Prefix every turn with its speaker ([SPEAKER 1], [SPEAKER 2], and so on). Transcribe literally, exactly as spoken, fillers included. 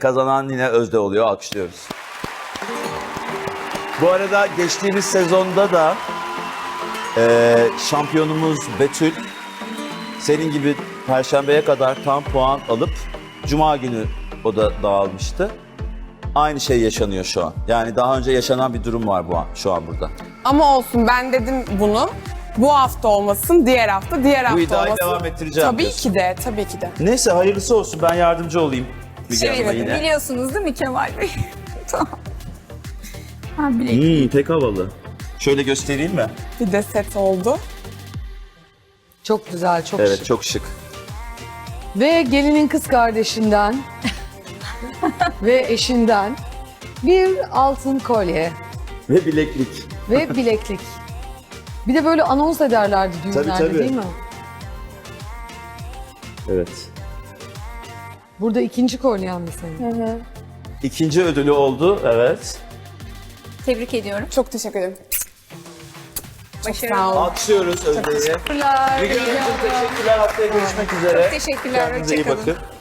[SPEAKER 1] Kazanan yine Özde oluyor. Alkışlıyoruz. Bu arada geçtiğimiz sezonda da e, şampiyonumuz Betül senin gibi Perşembeye kadar tam puan alıp Cuma günü o da dağılmıştı. Aynı şey yaşanıyor şu an. Yani daha önce yaşanan bir durum var bu an, şu an burada.
[SPEAKER 2] Ama olsun, ben dedim bunu. Bu hafta olmasın, diğer hafta, diğer hafta
[SPEAKER 1] iddiayı
[SPEAKER 2] olmasın.
[SPEAKER 1] devam ettireceğim
[SPEAKER 2] Tabii
[SPEAKER 1] diyorsun.
[SPEAKER 2] ki de, tabii ki de.
[SPEAKER 1] Neyse hayırlısı olsun, ben yardımcı olayım. Müge
[SPEAKER 3] Evet,
[SPEAKER 1] Hanım'a yine.
[SPEAKER 3] biliyorsunuz değil mi Kemal Bey? Tamam. Ha, bilek.
[SPEAKER 1] Hmm, pek havalı. Şöyle göstereyim mi?
[SPEAKER 2] Bir de set oldu.
[SPEAKER 4] Çok güzel, çok
[SPEAKER 1] Evet,
[SPEAKER 4] şık.
[SPEAKER 1] çok şık.
[SPEAKER 4] Ve gelinin kız kardeşinden ve eşinden bir altın kolye
[SPEAKER 1] Ve bileklik.
[SPEAKER 4] ve bileklik. Bir de böyle anons ederlerdi düğünlerde
[SPEAKER 1] Tabii, tabii.
[SPEAKER 4] değil mi?
[SPEAKER 1] Evet.
[SPEAKER 4] Burada ikinci kolyen mi senin?
[SPEAKER 1] İkinci ödülü oldu, evet.
[SPEAKER 3] Tebrik ediyorum.
[SPEAKER 2] Çok teşekkür ederim.
[SPEAKER 3] Başarılı.
[SPEAKER 2] Sağ olun.
[SPEAKER 1] Alkışlıyoruz Özde'yi.
[SPEAKER 4] Teşekkürler.
[SPEAKER 1] Müge Hanımcığım teşekkürler. Haftaya görüşmek üzere.
[SPEAKER 3] Teşekkürler.
[SPEAKER 1] Kendinize iyi
[SPEAKER 3] Hoşça kalın.
[SPEAKER 1] bakın.